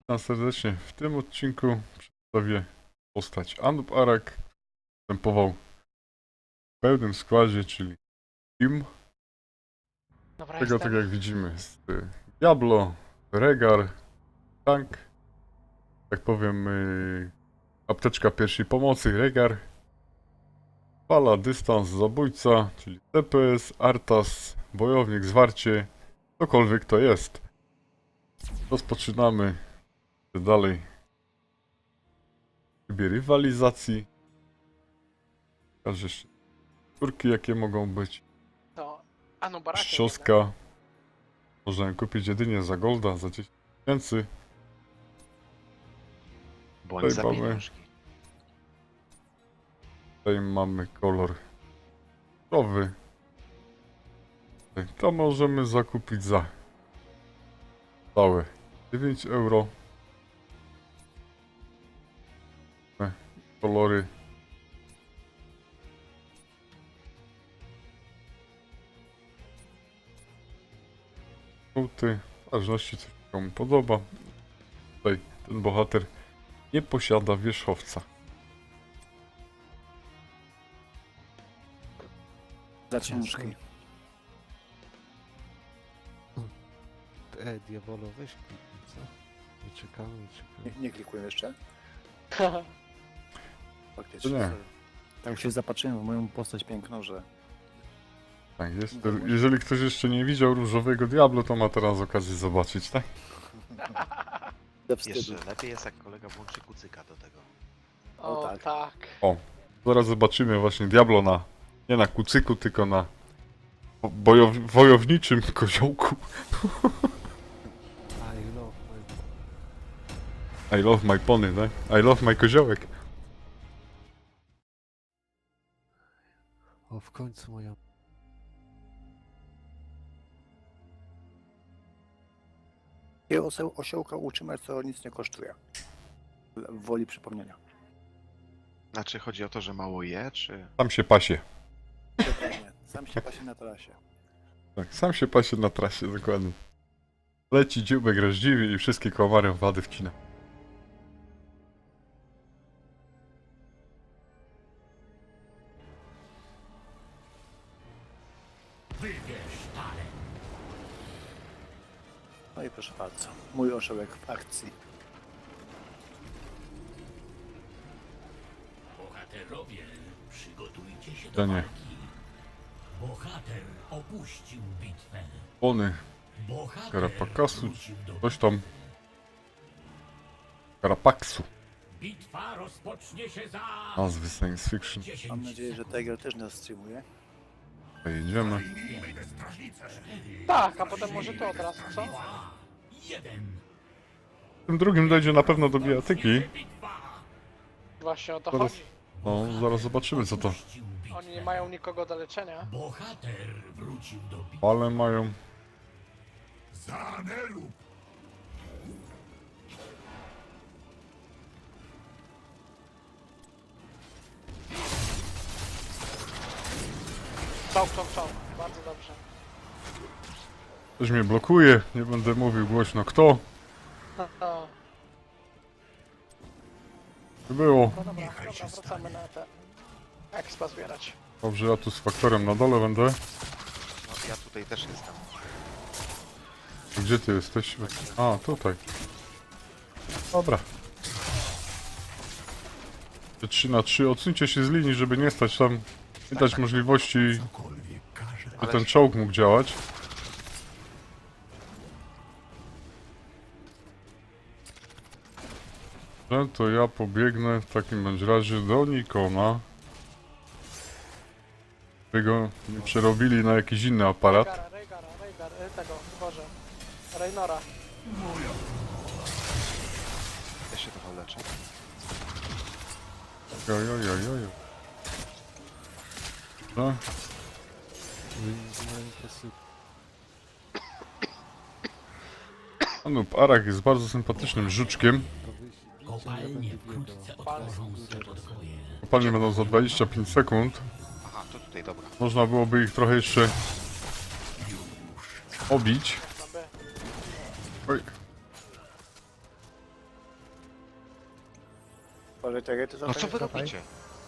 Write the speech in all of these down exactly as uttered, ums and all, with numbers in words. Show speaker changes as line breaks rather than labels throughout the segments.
Witam serdecznie. W tym odcinku przedstawię postać Anub-Arak. Występował w pełnym składzie, czyli Team.
Dobra,
Tego,
jestem.
tak jak widzimy, jest y, Diablo, Rehgar, Tank, tak powiem, y, apteczka pierwszej pomocy, Rehgar, Fala, dystans, zabójca, czyli T P S, Artas, bojownik, zwarcie, cokolwiek to jest. Rozpoczynamy dalej w trybie rywalizacji. Pokażę jeszcze skórki, jakie mogą być.
To Anub-Arakiem.
Ścioska. Można ją kupić jedynie za golda, za dziesięć tysięcy.
Bądź za
Tutaj mamy-
pieniążki.
Tutaj mamy kolor różowy. Tutaj to możemy zakupić za całe dziewięć euro. Te kolory. Żółty, w zależności co się komu podoba. Tutaj ten bohater nie posiada wierzchowca.
Za ciężki.
E, diabolo, weź kliknij, co? Nie czekamy, nie czekamy.
Nie, nie klikuję jeszcze?
Haha.
Faktycznie.
To nie.
Tak się zapatrzyłem w moją postać piękną, że...
Tak jest. Jeżeli ktoś jeszcze nie widział różowego Diablo, to ma teraz okazję zobaczyć, tak?
Ze wstydu.
Jeszcze lepiej jest, jak kolega włączy kucyka do tego.
O,
O, tak.
tak.
Zaraz zobaczymy właśnie Diablo na, nie na kucyku, tylko na bojow, wojowniczym koziołku.
I love my...
I love my pony, tak? I love my koziołek.
O, w końcu moja...
I oseł, osiołka uczymy, co nic nie kosztuje. W woli przypomnienia.
Znaczy, chodzi o to, że mało je, czy...
Sam się pasie.
Dokładnie. Sam się pasie na trasie.
Tak, sam się pasie na trasie, dokładnie. Leci dzióbek rozdziwi i wszystkie komary wady wcina.
No i proszę bardzo. Mój osiołek w akcji.
Bohaterowie, przygotujcie się do
To nie.
walki. Bohater opuścił bitwę.
Pony,
Bohater
Karapakasu,
wrócił do...
coś tam. Karapaksu.
Bitwa rozpocznie się za...
Nazwy science fiction.
dziesięć
Mam nadzieję, że
sekund.
Tiger też nas streamuje.
Pojedziemy.
Tak, a potem może to od razu, co?
Dwa, jeden.
W tym drugim dojdzie na pewno do bijatyki.
Bitwa.
Właśnie o to
Zaraz.
chodzi.
No, zaraz zobaczymy co to.
Opuścił bitwę.
Oni nie mają nikogo do leczenia.
Bohater wrócił do bitwy.
Ale mają.
Czołg, czołg, czołg. Bardzo dobrze.
Ktoś mnie blokuje, nie będę mówił głośno kto.
No,
To było.
no dobra, dobra, wracamy na te expa zbierać.
Dobrze, ja tu z faktorem na dole będę.
No, ja tutaj też jestem.
Gdzie ty jesteś? A, tutaj. Dobra. trzy na trzy. Odsuńcie się z linii, żeby nie stać tam. Nie dać możliwości, by ten czołg mógł działać. No to ja pobiegnę w takim bądź razie do Nikona. Którego nie przerobili na jakiś inny aparat.
Reigara, Reigara, Reigar, y, tego, Boże. Reynora.
Ja się trochę leczę.
Oj, oj, oj, oj. No,
Wyjmowałem presy.
Anub-Arak jest bardzo sympatycznym żuczkiem.
To wyjść bliżej, ja
Kopalnie
będę
wkrótce
biegał.
otworzą swe podwoje.
Kopalnie będą za dwadzieścia pięć sekund.
Aha, to tutaj, dobra.
Można byłoby ich trochę jeszcze obić.
Na B.
Oj.
Uważaj, te rejty
No co wy
zapaj.
robicie?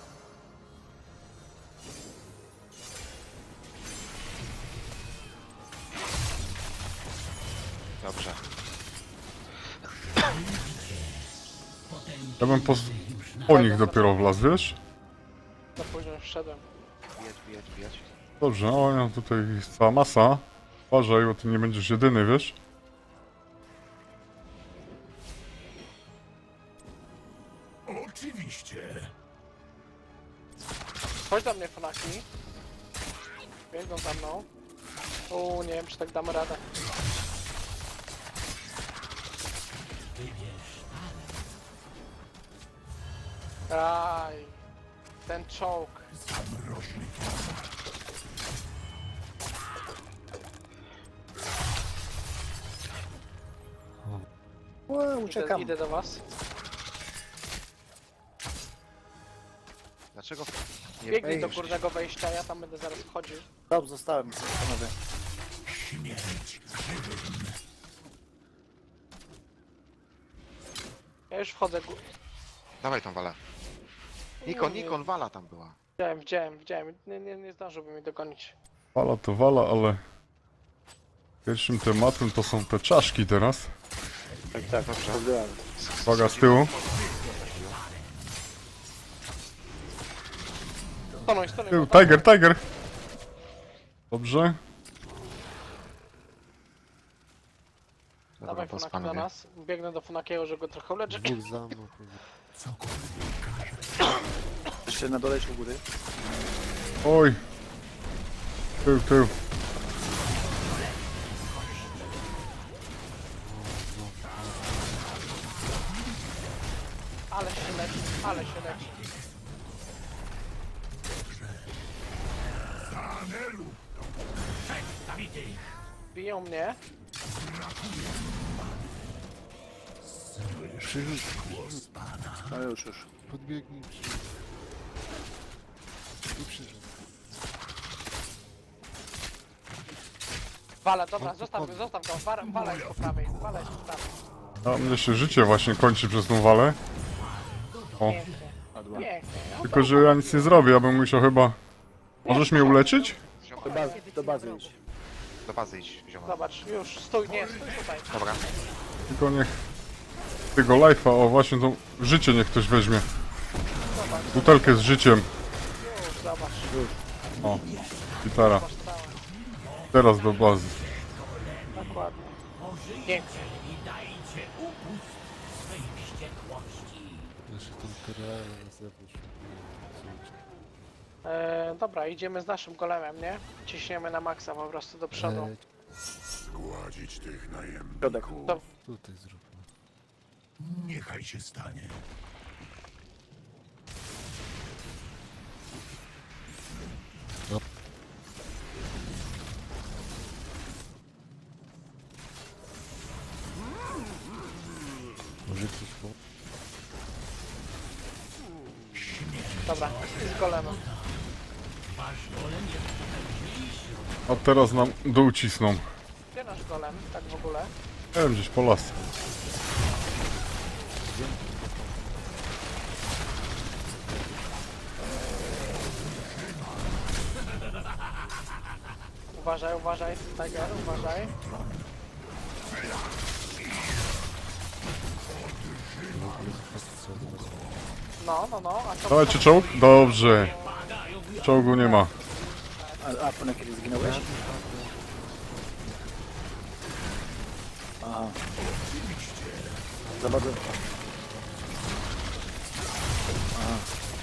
Dobrze.
Ja bym po, po nich dopiero wlazł, wiesz?
Za późno już wszedłem.
Bijać, bijać, bijać.
Dobrze, o ja tutaj jest cała masa. Uważaj, bo ty nie będziesz jedyny, wiesz?
Oczywiście.
Chodź do mnie, Funaki. Biegną za mną. Uuu, nie wiem, czy tak damy radę. Aj, ten czołg.
Ue,
Idę,
uciekam.
idę do was.
Dlaczego nie
Biegnij do
wejść?
górnego wejścia, ja tam będę zaraz wchodził.
Dobrze, zostałem, panowie.
Ja już wchodzę. gó-
Dawaj tą walę. Nikon, Nikon, wala tam była.
Widziałem, widziałem, widziałem. Nie, nie, nie zdążyłby mnie dogonić.
Wala to wala, ale... Pierwszym tematem to są te czaszki teraz.
Tak, tak,
Dobrze.
dobrze.
Uwaga z tyłu.
Stonuj, stonuj.
Tył,
bo tam-
Tiger, Tiger! Dobrze.
Dobra,
Dawaj
pas
Funaki do
panowie.
nas. Biegnę do Funakiego, że go trochę uleczę.
Dwóch za mną.
Jeszcze na dole czy u góry?
Oj. Tył, tył.
Ale się leci, ale się leci.
Zabity.
Biją mnie.
Przyrzuć,
No już, już.
podbiegnij, przyrzuć. I przyrzuć.
Wala, dobra, zostaw go, zostaw go. Wala, wala jest po prawej, wala jest po prawej.
A mnie się życie właśnie kończy przez tą walę. O,
Pięknie,
Padła.
pięknie. No
tylko że ja nic nie zrobię, ja bym musiał chyba... Możesz mnie uleczyć?
Zioma,
Do bazy, do bazy idź.
do bazy idź, zioma.
Zobacz, już, stój, nie, stój tutaj.
Dobra.
Tylko niech... Tego life'a, o właśnie to życie niech ktoś weźmie. Butelkę z życiem.
Już, zobacz,
O, gitara.
masz stałe.
Teraz do bazy.
Dokładnie. Pięknie.
I dajcie upust swej wściekłości.
Jeszcze tą terrorę na zewnątrz.
E, dobra, idziemy z naszym golemem, nie? Ciśniemy na maksa po prostu do przodu.
E,
Zgładzić tych najemników.
Środek.
To-
tutaj zróbmy.
Niechaj się stanie.
Może ktoś po...
Dobra, i z golemem.
A teraz nam dół cisną.
Gdzie nasz golem, tak w ogóle?
Nie wiem, gdzieś po las.
Uważaj, uważaj, Tiger, uważaj. No, no, no, a co?
Dawajcie czołg? Dobrze. Czołgu nie ma.
A, a po na kiedy zginąłeś? Aha. Za bardzo. Aha.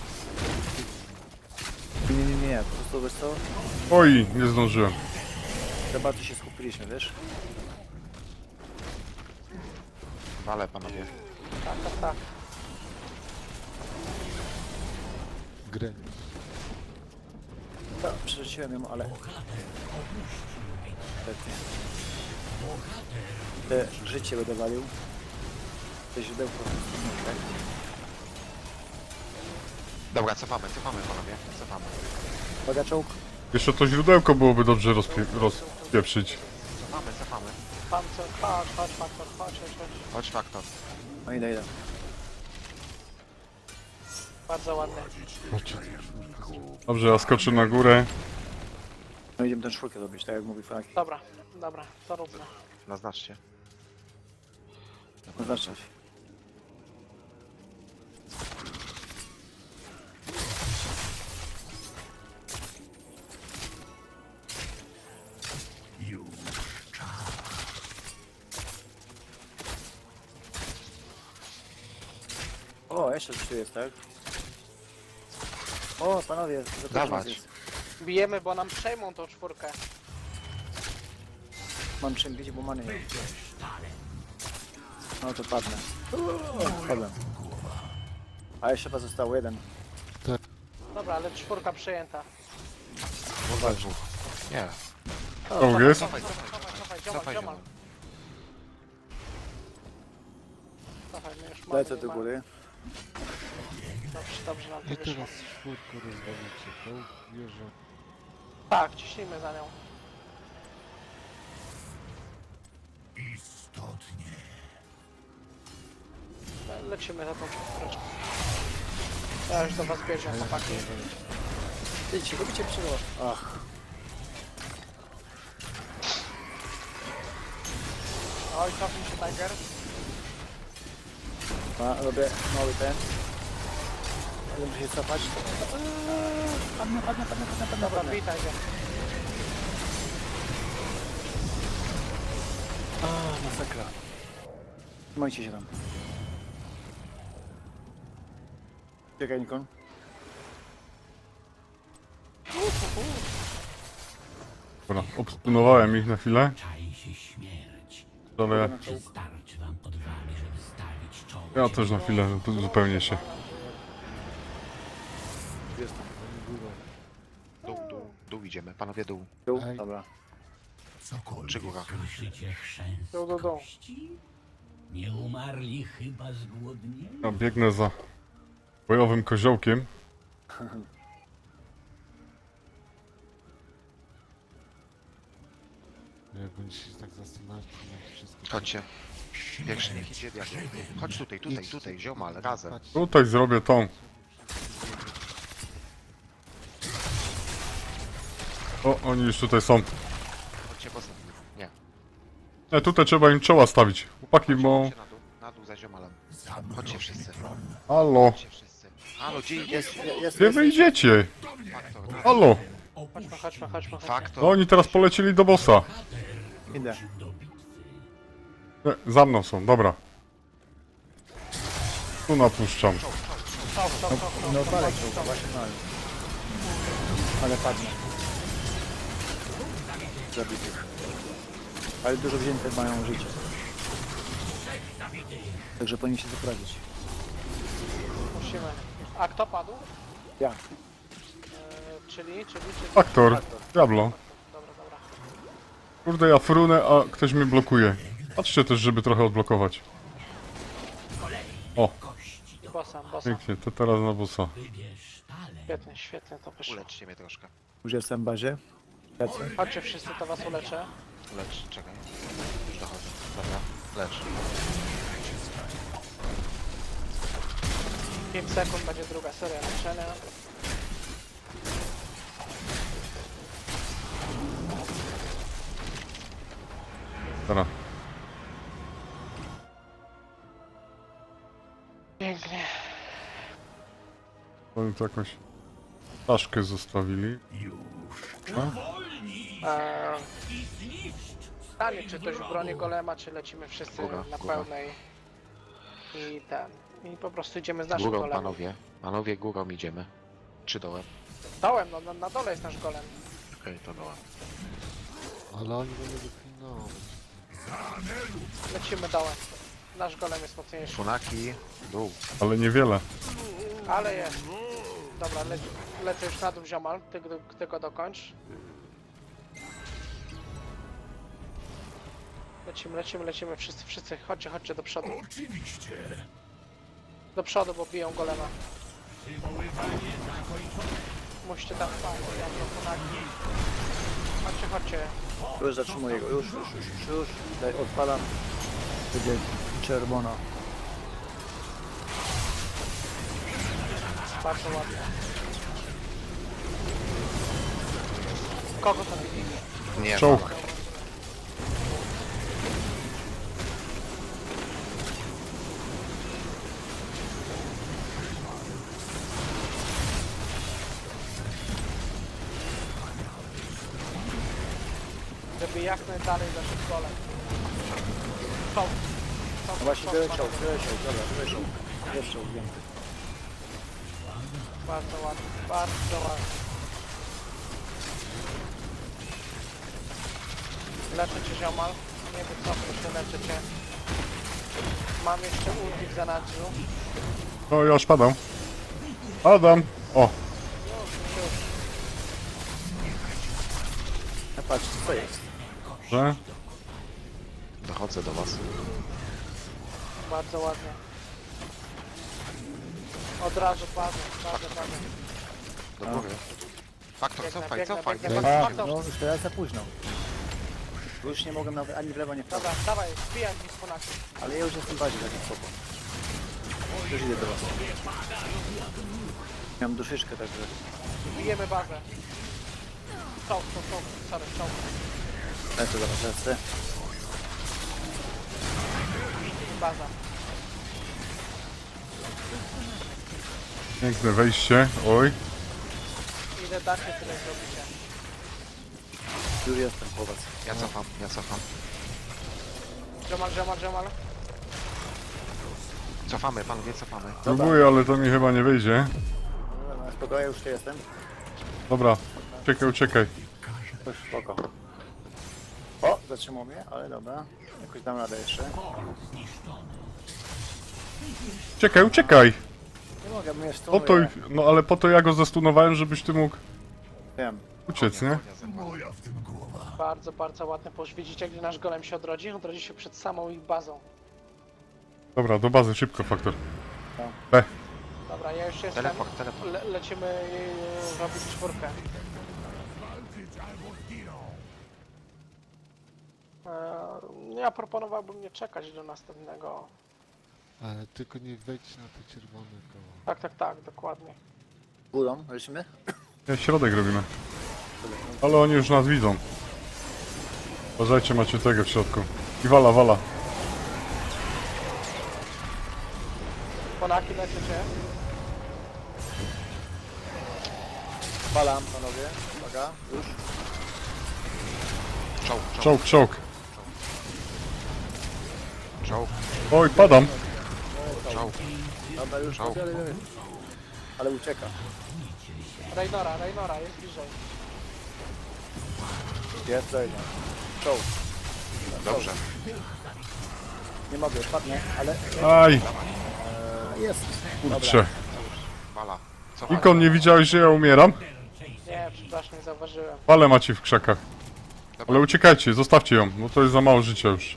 Nie, nie, nie, nie, po prostu wiesz co?
Oj, nie zdążyłem.
Za bardzo się skupiliśmy, wiesz?
Wale, panowie.
Tak, tak, tak.
Grę.
No, przerzuciłem ją, ale... Niestety. Te życie będę walił. Te źródełko. Tak?
Dobra, cofamy, cofamy, panowie. Cofamy.
Uwaga, czołg.
Jeszcze to źródełko byłoby dobrze rozpie rozpieprzyć.
Cofamy, cofamy.
Pancer, chodź, chodź, faktor, chodź, chodź, chodź.
Chodź, faktor.
No idę, idę.
Bardzo ładny.
Macie tę czwórkę.
Dobrze, ja skoczę na górę.
No idziemy tę czwórkę zrobić, tak jak mówi Frank.
Dobra, dobra, to róbmy.
Naznaczcie.
Zaznaczać. O, jeszcze trzy jest, tak? O, panowie, za
Dawać.
jest.
Bijemy, bo nam przejmą tą czwórkę.
Mam czym bić, bo many. No to padnę. Padłem. A jeszcze chyba został jeden.
Dobra, ale czwórka przejęta.
Chyba dwóch. Nie.
O, jest?
Cofaj, cofaj, cofaj, ziomal,
Cofaj,
ziomal. Cofaj, my już mamy,
Lecę
nie
do
ma.
góry.
Dobrze, dobrze nam to
I
wyszło.
teraz czwórkę rozwalicie. To wieżę.
Tak, ciśnijmy za nią.
Istotnie.
Le- Lecimy za tą czwóreczką. Ja już do was biegnę, chłopaki.
Idźcie, robicie przygo. Ach,
Oj, cofnij się, Tiger.
ma, robię mały ten. Ale muszę się cofać. Padnę, padnę, padnę, padnę, padnę,
Dobra,
padnę.
bij Tiger.
A, masakra. Trzymajcie się tam. Czekaj, Nikon.
Dobra, obstunowałem ich na chwilę,
Czai się śmierć.
ale
Czy starczy wam odwagi, żeby stawić czoło?
ja też na chwilę tu zupełnie się.
Jestem.
Dół, dół, dół idziemy. Panowie dół.
Dół?
Ej.
Dobra.
Cokolwiek.
Czy góra?
Słyszycie chrzęst
Dół, dół, dół.
kości? Nie umarli chyba z głodnienia?
Ja biegnę za bojowym koziołkiem.
No jak będziecie się tak zastanawiać, to macie wszystko.
Chodźcie. Pierwszy niech idzie diabeł. Chodź tutaj, tutaj, tutaj, ziomal, razem.
Patrzcie,
Tutaj zrobię tą. O, oni już tutaj są.
Chodźcie poza. Nie.
Nie, tutaj trzeba im czoła stawić. Chłopaki, bo...
Chodźcie na dół, na dół za ziomalem. Chodźcie wszyscy.
Halo,
Chodźcie wszyscy. Halo, gdzie idziesz?
Jest, jest,
gdzie
jest.
wy idziecie?
Faktor.
Halo,
Chodźmy, chodźmy, chodźmy, chodźmy.
Faktor.
no oni teraz polecieli do bossa.
Idę.
Nie, za mną są, dobra. Tu napuszczam.
Czoł, czoł, czoł, czoł,
No
czoł,
palek
czoł,
był,
czoł.
właśnie no. Ale padnę. Zabitych. Ale dużo wzięte mają życie. Także powinien się zaprawić.
Musimy. A kto padł?
Ja.
E, czyli, czyli, czyli...
Faktor, diablo.
Dobra, dobra.
Kurde, ja frunę, a ktoś mnie blokuje. Patrzcie też, żeby trochę odblokować. O,
I bossa, bossa.
pięknie, to teraz na bossa.
Wybierz talent.
Świetnie, świetnie to wyszło.
Uleczcie mnie troszkę.
Już jestem w bazie. Lecę.
Chodźcie wszyscy, to was uleczę.
Lecz, czekaj. Już dochodzę. Dobra, lecz.
pięć sekund będzie druga seria leczenia.
Teraz.
Pięknie.
Oni tu jakąś czaszkę zostawili.
Eee, Stanie, czy ktoś broni golema, czy lecimy wszyscy
Góra,
na
góra.
pełnej. I ten. I po prostu idziemy z naszym
Górą,
golemem.
panowie. Panowie, górą idziemy. Czy dołem?
Dołem, no na, na dole jest nasz golem.
Okej, to dołem.
ale oni będą deklinować.
Lecimy dołem. Nasz golem jest mocniejszy.
Funaki, dół.
Ale niewiele.
Ale jest. Dobra, le lecę już na dół ziomal, ty, ty, ty go dokończ. Lecimy, lecimy, lecimy, wszyscy, wszyscy, chodźcie, chodźcie do przodu.
Oczywiście.
Do przodu, bo biją golema. Musicie tam wpaść, ja to ponagi. Chodźcie, chodźcie.
Już zatrzymuję go. Już, już, już, już, już. Daj, odpalam. Będzie czerwono.
Bardzo ładnie. Kogo tam widzi?
Nie,
Czołg.
Wala.
Żeby jak najdalej zaszedł golem. Czołg. Czołg,
No właśnie
czołg,
wyleciał,
czołg.
wyleciał, dobra, wyleciał. Jeszcze ugięty.
Bardzo ładnie, bardzo ładnie. Leczę cię, ziomal. Nie wycofuj się, leczę cię. Mam jeszcze ulti w zanadrzu.
No ja już padam. Padam. O,
Już, już.
No patrzcie, co jest?
że?
Dochodzę do was.
Bardzo ładnie. Od razu bazę, bazę, bazę.
Do góry. Faktor,
Biegnę,
cofaj,
biegnę,
cofaj.
biegnę.
Nie
Faktor,
A,
faktor.
faktor.
no już teraz za późno. Już nie mogłem nawet ani w lewo, ani w prawo.
Dobra, dawaj, wbijaj mi z ponaki.
Ale ja już jestem bardziej taki spoko. Już idę do was. Miałem duszyczkę, także...
Bijemy bazę. Czołg, czołg, czołg, sorry, czołg.
Lecę do was, lecę.
Baza.
Piękne wejście. Oj.
Ile dacie, tyle zrobicie.
Już jestem po was.
Ja cofam, ja cofam.
Żemal, żemal, żemal.
Cofamy, panowie, cofamy.
Próbuję, ale to mi chyba nie wyjdzie.
Dobra, no, spoko, ja już tu jestem.
Dobra. Uciekaj, uciekaj.
Już spoko. O, zatrzymał mnie, ale dobra. Jakoś dam radę jeszcze.
Uciekaj, uciekaj.
Nie mogę, mnie
Po to,
stunuje.
no ale po to ja go zastunowałem, żebyś ty mógł
Wiem.
uciec, nie?
Moja w tym głowa.
Bardzo, bardzo ładne. Bo już widzicie, gdy nasz golem się odrodzi? Odrodzi się przed samą ich bazą.
Dobra, do bazy, szybko, faktor.
Dobra, ja już jestem.
Teleport, teleport.
Le lecimy yy, robić czwórkę. Eee, ja proponowałbym nie czekać do następnego.
Ale tylko nie wejdź na te czerwone koło.
Tak, tak, tak, dokładnie.
Górą, lecimy?
Nie, środek robimy. Ale oni już nas widzą. Uważajcie, macie tego w środku. I wala, wala.
Ponaki lecicie.
Palam, panowie. Uwaga, już.
Czołg, czołg,
Czołg, czołg.
czołg,
Oj, padam.
czołg.
Dobra, już.
Czołg.
Ale, ale ucieka.
Raynora, Raynora, jest bliżej.
Jest, dojdzie. Czołg.
Dobrze.
Nie mogę, padnę, ale...
Aj,
E, jest.
kurczę.
Wala. Cofaj.
Ikon, nie widziałeś, że ja umieram?
Nie, przepraszam, nie zauważyłem.
Wale macie w krzakach.
Dobra.
Ale uciekajcie, zostawcie ją, bo to jest za mało życia już.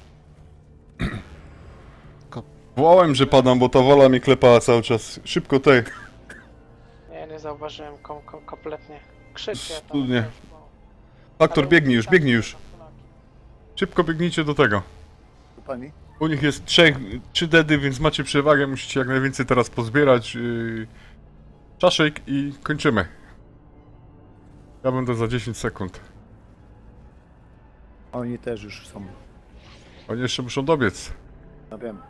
Wołałem, że padam, bo ta wola mnie klepała cały czas. Szybko, tej.
Nie, nie zauważyłem kom kom kompletnie. Krzyczcie tam.
Studnie.
No.
Faktor,
Ale
biegnij już,
uciekajcie
biegnij już.
na Ponaki.
Szybko biegnijcie do tego.
Tu pani?
U nich jest trzech, trzy dedy, więc macie przewagę, musicie jak najwięcej teraz pozbierać. Yy, czaszek i kończymy. Ja będę za dziesięć sekund.
Oni też już są.
Oni jeszcze muszą dobiec.
No wiem.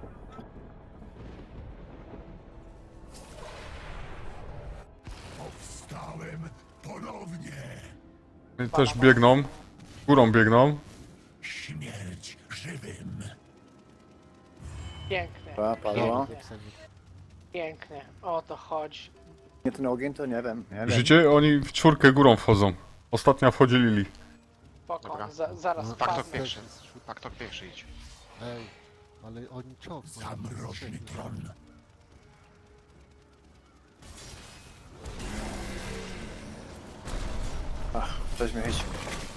Powstałem ponownie.
Oni też biegną. Górą biegną.
Śmierć żywym.
Pięknie,
Pa, padło.
pięknie. O to chodzi.
Nie ten ogień, to nie wiem. Nie wiem.
Życie? Oni w czwórkę górą wchodzą. Ostatnia wchodzi Lili.
Spoko,
Dobra.
za, zaraz
No,
Faktor
wpadnę.
pierwszy. Faktor pierwszy idź.
Ej, ale oni czołg mają.
Zamrożny tron.
Ach, coś mnie chyci.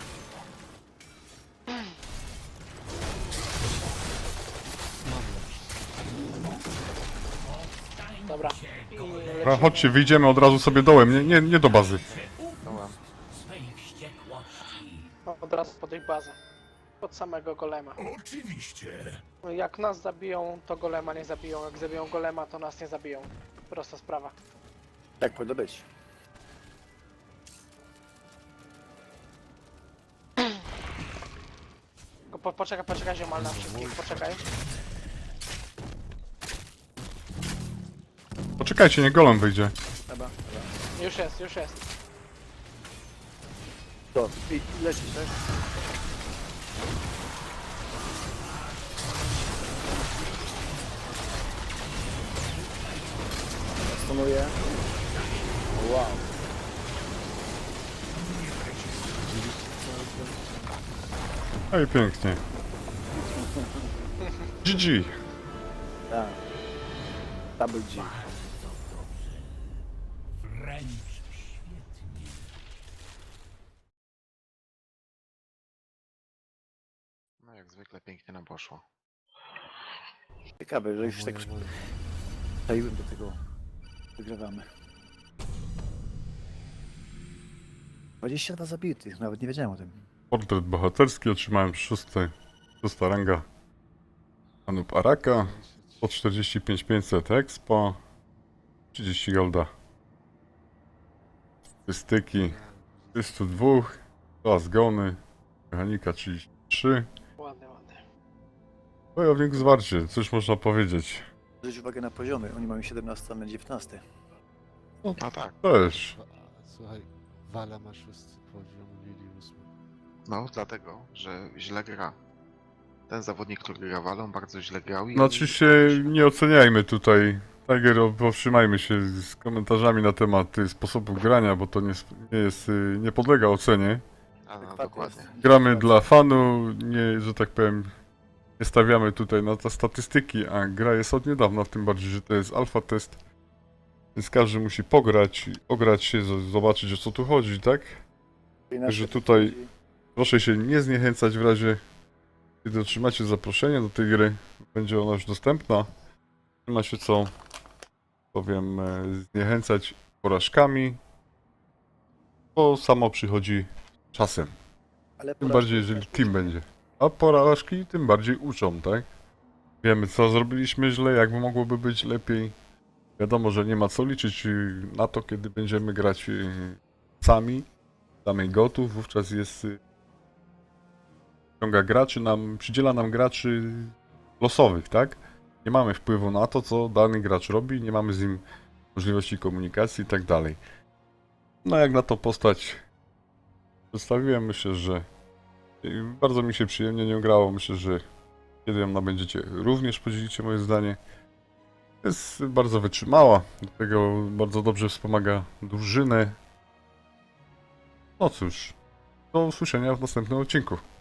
Dobra. I
Dobra,
lecimy.
chodźcie, wyjdziemy od razu sobie dołem, nie, nie, nie do bazy.
Dołem.
swej wściekłości.
Od razu pod ich bazę. Pod samego golema.
Oczywiście.
Jak nas zabiją, to golema nie zabiją. Jak zabiją golema, to nas nie zabiją. Prosta sprawa.
Tak powinno być.
Tylko Po, poczekaj, poczekaj ziomal na wszystkich, poczekaj.
Poczekajcie, nie golem wyjdzie.
Dobra, dobra.
Już jest, już jest.
To, i lecisz, tak? Stunuję. Wow.
No i pięknie. G G.
Tak. Double G.
Wręcz świetnie.
No jak zwykle pięknie nam poszło.
Ciekawe, że już tak
Moje, moje.
przyczaiłem do tego. Wygrywamy. dwadzieścia dwa zabitych, nawet nie wiedziałem o tym.
Portret bohaterski otrzymałem szósty, szósta ranga. Anup Araka. Po czterdzieści pięć tysięcy pięćset expo. trzydzieści golda. Statystyki trzysta dwa. Dwa zgony. Mechanika trzydzieści trzy.
Ładnie, ładnie.
Wojownik zwarcie, cóż można powiedzieć.
Zwróć uwagę na poziomy, oni mają siedemnaście, a my dziewiętnaście.
No tak.
Też.
A, słuchaj, Wala ma szósty poziom, Lili ósmy.
No dlatego, że źle gra. Ten zawodnik, który gra walą, bardzo źle grał i...
Znaczy się, nie oceniajmy tutaj. Tiger, powstrzymajmy się z komentarzami na temat y, sposobu grania, bo to nie, sp- nie jest, y, nie podlega ocenie.
A, no,
Fakt
dokładnie.
jest.
Gramy dla fanu, nie, że tak powiem, nie stawiamy tutaj na te statystyki, a gra jest od niedawna, tym bardziej, że to jest alfa test. Więc każdy musi pograć, ograć się, z- zobaczyć o co tu chodzi, tak? Że tutaj- Proszę się nie zniechęcać w razie, kiedy otrzymacie zaproszenie do tej gry. Będzie ona już dostępna. Nie ma się co, powiem, e, zniechęcać porażkami, bo samo przychodzi czasem.
Ale
Tym
porażki
bardziej, jeżeli
też
team
uczą.
będzie. A porażki tym bardziej uczą, tak? Wiemy, co zrobiliśmy źle, jakby mogłoby być lepiej. Wiadomo, że nie ma co liczyć y, na to, kiedy będziemy grać y, sami, samej gotów, wówczas jest y, ściąga graczy nam, przydziela nam graczy losowych, tak? Nie mamy wpływu na to, co dany gracz robi, nie mamy z nim możliwości komunikacji i tak dalej. No jak na to postać przedstawiłem, myślę, że y, bardzo mi się przyjemnie nią grało. Myślę, że kiedy ją nabędziecie, również podzielicie moje zdanie. Jest bardzo wytrzymała, do tego bardzo dobrze wspomaga drużynę. No cóż, do usłyszenia w następnym odcinku.